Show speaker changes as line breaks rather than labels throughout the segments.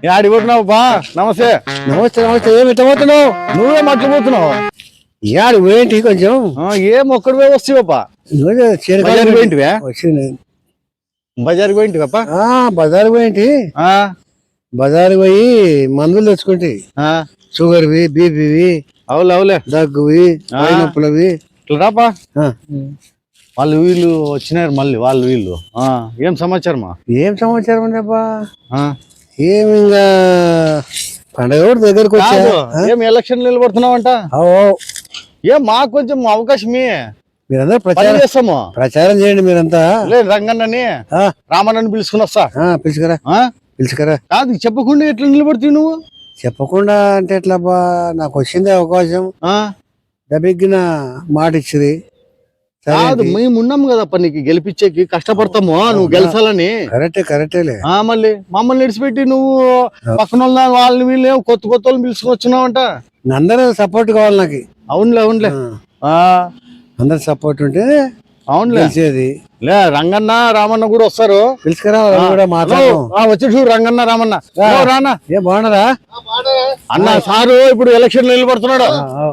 ఆడిపోతున్నావు బా. నమస్తే.
నమస్తే నమస్తే. ఏమి ఇట్లా పోతున్నావు?
నువ్వే మర్చిపోతున్నావు.
యాడు ఏంటి కొంచెం
ఏం ఒక్కడి పోయి వస్తావప్పా? బజార్కి పోయింటివా?
వచ్చింది
బజార్కి పోయింటివప్పా?
బజారు పోయింటి. బజారు పోయి మందులు తెచ్చుకుంటే షుగర్వి, బీపీవి,
అవులే
దగ్గువి, నొప్పులవి.
ఇట్లా రాపా. వాళ్ళు వీళ్ళు వచ్చినారు మళ్ళీ. వాళ్ళు వీళ్ళు ఏం సమాచారమా?
ఏం సమాచారం ఉందబ్బా? ఏమి ఇంకా పండగ కూడా దగ్గరకు వచ్చా.
ఏం ఎలక్షన్ నిలబడుతున్నావంట? ఏం మాకు కొంచెం అవకాశమే.
మీరందరూ ప్రచారం
చేస్తాము.
ప్రచారం చేయండి మీరంతా.
లేదు రంగన్నని రామన్నని పిలుచుకుని వస్తా.
పిలుచుకరా.
కాదు చెప్పకుండా ఎట్లా నిలబడుతుంది నువ్వు?
చెప్పకుండా అంటే ఎట్లా? నాకు వచ్చింది అవకాశం, దబిగ్గిన మాట ఇచ్చింది.
కాదు మేము ఉన్నాము కదప్ప నీకు గెలిపించేకి, కష్టపడతాము నువ్వు గెలిచాలని.
కరెక్టేలే.
మళ్ళీ మమ్మల్ని విడిచిపెట్టి నువ్వు పక్కన వాళ్ళని వీళ్ళు కొత్త వాళ్ళని పిలుచుకుని వచ్చినావంట.
అందరూ సపోర్ట్ కావాలి నాకు.
అవునులే
అందరు సపోర్ట్ ఉంటే
అవునులే లే. రంగన్న రామన్న కూడా వస్తారు.
పిలుచుకురా కూడా మాట్లాడదాం.
వచ్చి చూడు రంగన్న రామన్న. రానా
ఏం బాగున్నారా
అన్న? సారు ఇప్పుడు ఎలక్షన్ నిలబడుతున్నాడు.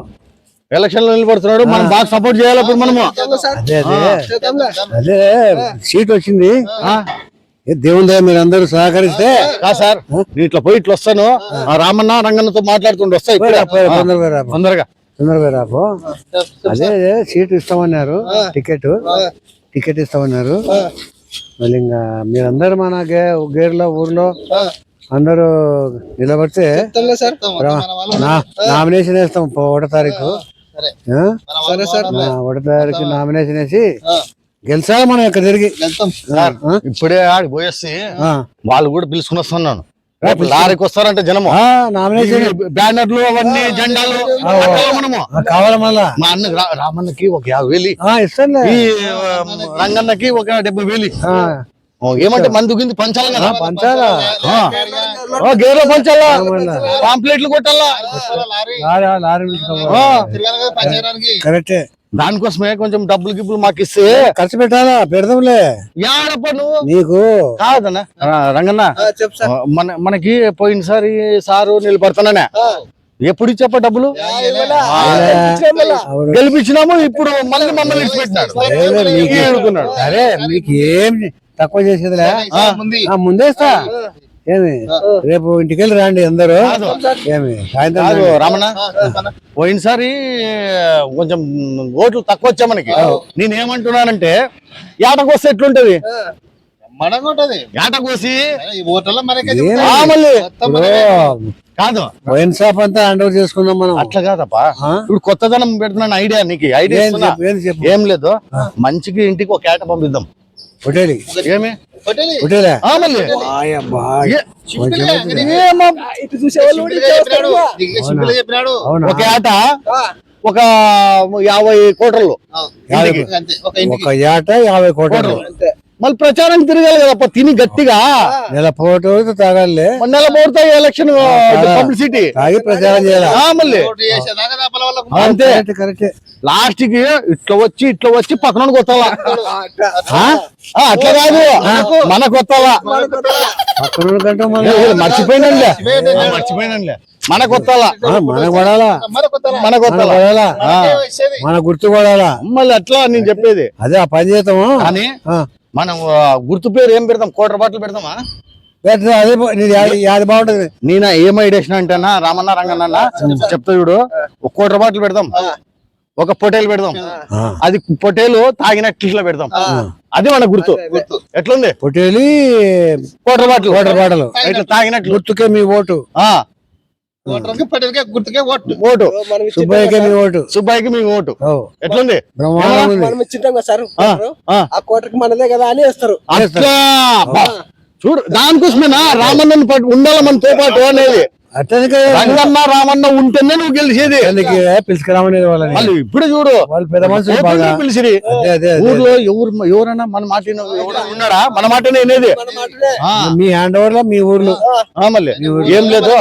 మనం బాగా సపోర్ట్ చేయాలి ఇప్పుడు మనము.
అదే సీట్ వచ్చింది. దేవుని దయ మీరు అందరూ సహకరిస్తే.
సార్ ఇట్లా పోయి ఇట్లా వస్తాను. రామన్న రంగన్నతో మాట్లాడుతుండే వస్తాయి. తొందరగా
రాపో. అదే సీట్ ఇస్తామన్నారు. టికెట్ ఇస్తామన్నారు. మళ్ళీ ఇంకా మీరందరూ మన గేర్లో ఊర్లో అందరూ నిలబడితే నామినేషన్ వేస్తాం 1వ తారీఖు. 1వ తారీఖు నామినేషన్ వేసి గెలిచాలి మనం ఇక్కడ తిరిగి.
ఇప్పుడే ఆడి పోయేసి వాళ్ళు కూడా పిలుచుకుని వస్తున్నాను. లారీకి వస్తారంటే జనము.
నామినేషన్
బ్యానర్లు అవన్నీ జెండాలు
కావాలి. మళ్ళా
మా అన్న రామన్నకి ఒక 50,000
ఇస్తాను.
ఈ రంగన్నకి ఒక 70,000. ఏమంటే మందు గింది పంచాలి కదా.
పంచాలా?
గేర్లో పంచాలా? పాంప్లెట్లు కొట్టాలా?
కరెక్టే.
దానికోసమే కొంచెం డబ్బులు మాకు ఇస్తే
ఖర్చు పెట్టాలా? పెడదాంలే.
యాడప్ప నువ్వు
నీకు
కాదన్నా రంగన్న. మనకి పోయినసారి సారు నిలబడతాననే ఎప్పుడు ఇచ్చాప డబ్బులు గెలిపించినాము. ఇప్పుడు మళ్ళీ మమ్మల్ని ఇచ్చిపెట్టినాడు.
అరే మీకు ఏం తక్కువ చేసేదిలే. ముందేస్తా. ఏమి రేపు ఇంటికెళ్ళి రండి అందరూ. ఏమి సాయంత్రం
రామన్న పోయినసారి కొంచెం ఓట్లు తక్కువ వచ్చా మనకి. నేనేమంటున్నానంటే ఏటకు వస్తే ఎట్లుంటది? ఏటకోసి కాదు
వైన్ షాప్ అంతా హ్యాండ్ ఓవర్ చేసుకున్నాం మనం.
అట్లా కాదప్పా. ఇప్పుడు కొత్తదనం పెడుతున్నాను. ఐడియా నీకు ఐడియా ఏం లేదు. మంచికి ఇంటికి ఒక ఏట పంపిద్దాం.
హోటల్
ఏమి ఒక ఏట ఒక 50 కోటర్లు.
ఒక ఏట 50 కోటర్లు.
మళ్ళీ ప్రచారం తిరగాలి కదప్ప. తిని గట్టిగా
నెల పోటు తాగాలి.
నెల పోతా ఎలక్షన్ పబ్లిసిటీ తాగి ప్రచారం చేయాలి. మళ్ళీ అంతే. లాస్ట్ కి ఇట్లా వచ్చి పక్కన కొత్తాలా? అట్లా కాదు, మన కొత్తాలా? మర్చిపోయినంలే మన కొత్తాలా? మన కొత్తాలా? మన గుర్తు కొడాలా? మళ్ళీ అట్లా నేను చెప్పేది అదే. ఆ పని చేద్దాము అని మనం గుర్తు పేరు ఏం పెడతాం? 1,00,00,000 రూపాయలు పెడతామా? అది బాగుంటది. నేను ఏం ఐడియా అంటేనా రామన్న రంగన్న చెప్తా చూడు. 1,00,00,000 రూపాయలు పెడదాం. ఒక పొటేలు పెడదాం. అది పొటేలు తాగినట్లు పెడదాం. అది మన గుర్తు. ఎట్లుంది? పొటేలు 1,00,00,000 రూపాయలు ఇట్లా తాగినట్లు. గుర్తుకే మీ ఓటు. ఓటు సుబ్బయ్యకి మీ ఓటు. సుబ్బయ్యకి మీ ఓటు. ఎట్లుంది?
ఆ కోటకి మనదే కదా అని వేస్తారు.
అట్లా చూడు. దానికోసమేనా రామన్నని ఉండాలి మనతో పాటు అనేది. రంగన్న రామన్న ఉంటేనే నువ్వు గెలిచేది.
పిలుచుకురామనేది వాళ్ళని.
వాళ్ళు ఇప్పుడు చూడు
వాళ్ళు పెద్ద మనుషులు
పిలిచిరి. ఊర్లో ఎవరన్నా మన మాట ఉన్నాడా? మన మాటనే అనేది.
మీ హ్యాండ్ ఓవర్ లో మీ ఊర్లో
మళ్ళీ ఏం లేదు.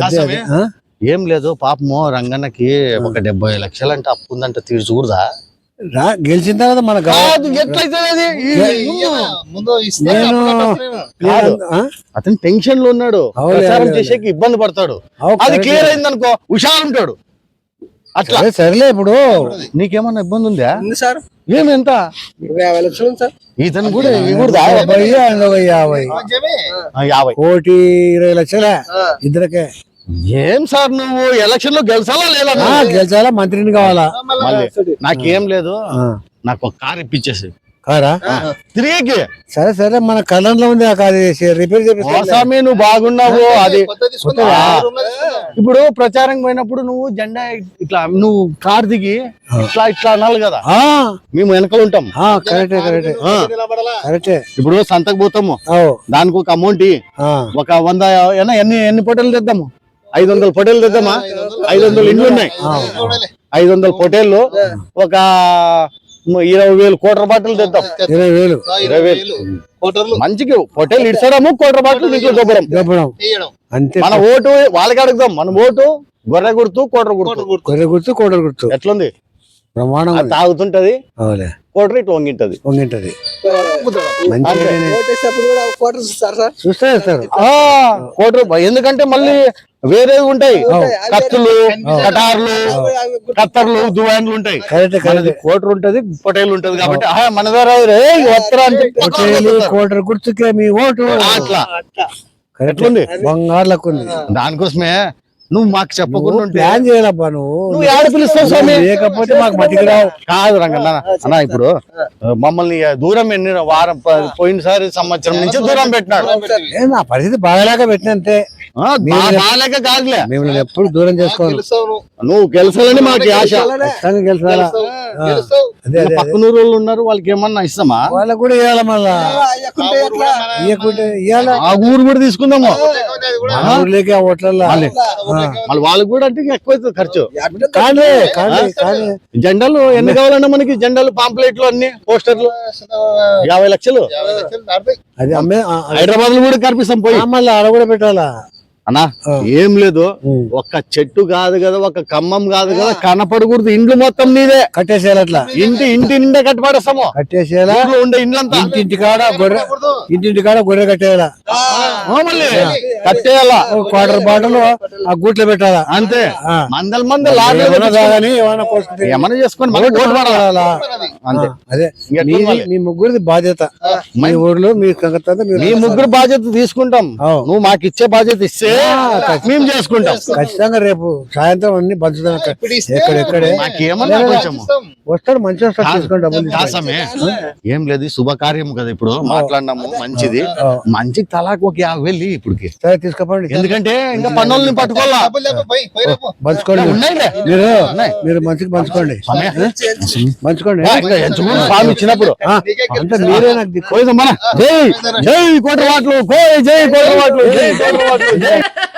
ఏం లేదు పాపము రంగన్నకి ఒక 70 లక్షలు అంటే అప్పు ఉందంట. తీర్చకూడదా?
గెలిచిన తర్వాత మన
కాదు, ఎట్లయితే అది?
ముందు ఇస్తే
నేను
కాదు.
ఆ?
అతను టెన్షన్ లో ఉన్నాడు,
అవులే,
ప్రచారం
అవులే.
చేసేకి ఇబ్బంది పడతాడు.
అవు,
అది
కరెక్టే.
క్లియర్ అయింది అనుకో హుషారు ఉంటాడు. అట్లా
సరే, సరేలే ఇప్పుడు
నీకేమన్నా ఇబ్బంది ఉందా?
ఉంది సార్
ఏమి ఎంత
50 లక్షలు ఉంది సార్.
ఇతను కూడా ఇవి కూడా
50, ఆయన ఒక 50.
మంచిమే.
50.
1,20,00,000
ఆ.
ఇద్దరికే.
ఏం సార్ నువ్వు ఎలక్షన్ లో గెలిచాలా లేదా?
గెలిచాలా, మంత్రిని కావాలా?
మళ్ళీ నాకేం లేదు,
ఆ.
నాకు ఒక కార్ ఇప్పించేసి
కారా?
తిరిగి
సరే సరే, మన కళ్ళంలో ఉంది ఆ కారు, రిపేర్ చేపిస్తా.
స్వామి నువ్వు బాగున్నావు. అది
కొత్త తీసుకుందా?
ఆ.
5 రూమ్లో తీసుకుందా?
ఇప్పుడు ప్రచారం పోయినప్పుడు నువ్వు జెండా ఇట్లా నువ్వు కార్ దిగి ఇట్లా ఇట్లా అనాలి కదా,
ఆ,
మేము వెనకాల ఉంటాం.
కరెక్టే కరెక్టే
ఆ.
నిలబడాలా?
కరెక్టే.
ఇప్పుడు సంతకు పోతాము,
అవు.
దానికి ఒక అమౌంట్ ఒక 100 ఎన్ని పొటేలు తెద్దాము? 500 పొటేలు తెద్దామా? 500 ఇండ్లు ఉన్నాయి, 500 పొటేళ్ళు ఒక 20,000 కోట్ర బాటలు తెద్దాం.
20,000
20,000 కోటర్లు
మంచికి పొటేలు ఇడ్చడము, కోట్ర బాటలు ఇంట్లో దొబ్బడం.
చెప్పడం
తీయడం.
అంతే.
మన ఓటు వాళ్ళకి అడుగుదాం. మన ఓటు గొర్రె గుర్తు, కోట్ర గుర్తు.
గొర్రె గుర్తు, కోడలు గుర్తు.
ఎట్లుంది?
ప్రమాణం
అది తాగుతుంటది,
అవులే,
కోట్ర ఇట్లా వంగింటది.
పొంగింటది.
గుద్దడం.
మంచిగా
ఓటేసేటప్పుడు కూడా ఒక కోటర్ ఇస్తారు సార్.
చూస్తా చేస్తారు.
కోట్ర ఎందుకంటే మళ్ళీ వేరేవి ఉంటాయి, కత్తులు, కటార్లు, కత్తర్లు, దువాన్లు ఉంటాయి.
కరెక్టే
మనది
కరెక్టే.
కోట్ర ఉంటది, పొటేలు ఉంటది కాబట్టి మన ద్వారా వస్త్రా అంటే
పొట్టేలు, కోటరు గుర్తుకే మీ ఓటు.
అట్లా
కరెక్ట్
ఎట్లుంది?
బంగారు లెక్క ఉంది.
దానికోసమే నువ్వు మాకు చెప్పకుండా ఉంటే
ప్లాన్ చేయాలబ్బా నువ్వు.
నువ్వు ఏడ పిలుస్తావు స్వామి?
లేకపోతే మాకు మతికి రావు.
కాదు రంగన్న అన్న, ఇప్పుడు మమ్మల్ని దూరం ఎన్ని వారం పోయినసారి సంవత్సరం నుంచి దూరం పెట్టినాడు.
నా పరిస్థితి బాగాలేక పెట్టినంతే.
బాగాలేక కాదులే,
మేము ఎప్పుడు దూరం చేసుకోవాలి.
గెలుస్తావు నువ్వు.
నువ్వు గెలిచాలని మాకు ఆశ.
ఖచ్చితంగా గెలిచాలా?
గెలుస్తావు.
అదే అదే.
పక్కన వాళ్ళు ఉన్నారు, వాళ్ళకి ఏమన్నా ఇస్తామా?
వాళ్ళకు కూడా ఇవ్వాలి మళ్ళా.
అయ్యకుంటే ఎట్లా?
ఇవ్వకుంటే ఇవ్వాలా?
ఆ ఊరు కూడా తీసుకుందాము,
అది కూడా
మన ఊర్లోకి ఆ ఓట్లల్లో.
మళ్ళీ వాళ్ళకి కూడా అంటే ఎక్కువ అవుతుంది ఖర్చు.
కానీ కానీ కానీ
జెండాలు ఎన్ని కావాలన్నా మనకి? జెండాలు, పాంప్లెట్లు, అన్ని పోస్టర్లు 50 లక్షలు.
50 లక్షలు దాటుతాయి.
అది అమ్మే
హైదరాబాద్ లో కూడా కనిపిస్తాం పోయి.
మళ్ళీ ఆడ కూడా పెట్టాలా?
అన్నా ఏం లేదు, ఒక్క చెట్టు కాదు కదా, ఒక ఖమ్మం కాదు కదా, కనపడకూడదు. ఇండ్లు మొత్తం నీదే.
కట్టేసేయాలి అట్లా.
ఇంటి నిండా కట్టుబడేస్తాము.
కట్టేసేయాలా?
ఇంట్లో ఉండే ఇండ్లంతా
ఇంటింటి కాడ గొర్రె, ఇంటింటి కాడ గొర్రె కట్టేయాలా?
మళ్ళీ కట్టేయాలా?
ఒక క్వార్టర్ బాటలు ఆ గూట్లో పెట్టాలా?
అంతే.
ఆ.
మందల మంది లారీలు
ఏమన్నా
తెప్పించుకొని
తాగని, ఏమన్నా పోసుకుంటే
ఏమన్నా చేసుకొని మనకి ఓటు పడాలా? అంతే.
అదే
ఇంకెట్లా
మీది,
ఉండాలి?
మీ ముగ్గురిది బాధ్యత. మీ ఊర్లో మీ సంగతి మీరు
మీ ముగ్గురు బాధ్యత తీసుకుంటాం.
అవు.
నువ్వు మాకు ఇచ్చే బాధ్యత ఇస్తే మేము చేసుకుంటాం.
ఖచ్చితంగా రేపు సాయంత్రం అన్ని పంచుతాం.
ఇప్పుడు ఇస్తే
ఎక్కడెక్కడే
మాకేమన్నా కొంచెము
ఇస్తాం.
వస్తాడు, మంచిగా వస్తాడు, తీసుకొని డబ్బులు తీసుకొని.
దాసమే ఏం లేదు, ఈ శుభకార్యం కదా ఇప్పుడు మాట్లాడినాము, మంచిది. మంచికి తలాకు ఒక 50,000 ఇప్పటికి.
సరే తీసుకోపండి.
ఎందుకంటే ఇంకా పన్నుల్ని పట్టుకోవాలా.
డబ్బులు లేకపోతే పోయి, పోయి రేపు.
పంచుకోండి.
ఉన్నాయిలే.
మీరు మంచిగా పంచుకోండి. పంచుకోండి.
ఇంకా ఎంచుకుని స్వామి ఇచ్చినప్పుడు
నీకే
అంటే మీరే నాకు దిక్కు.
పోయిదమ్మా. జై జై కోటవాట్లు, జై కోటవాట్లు, జై కోటవాట్లు, జై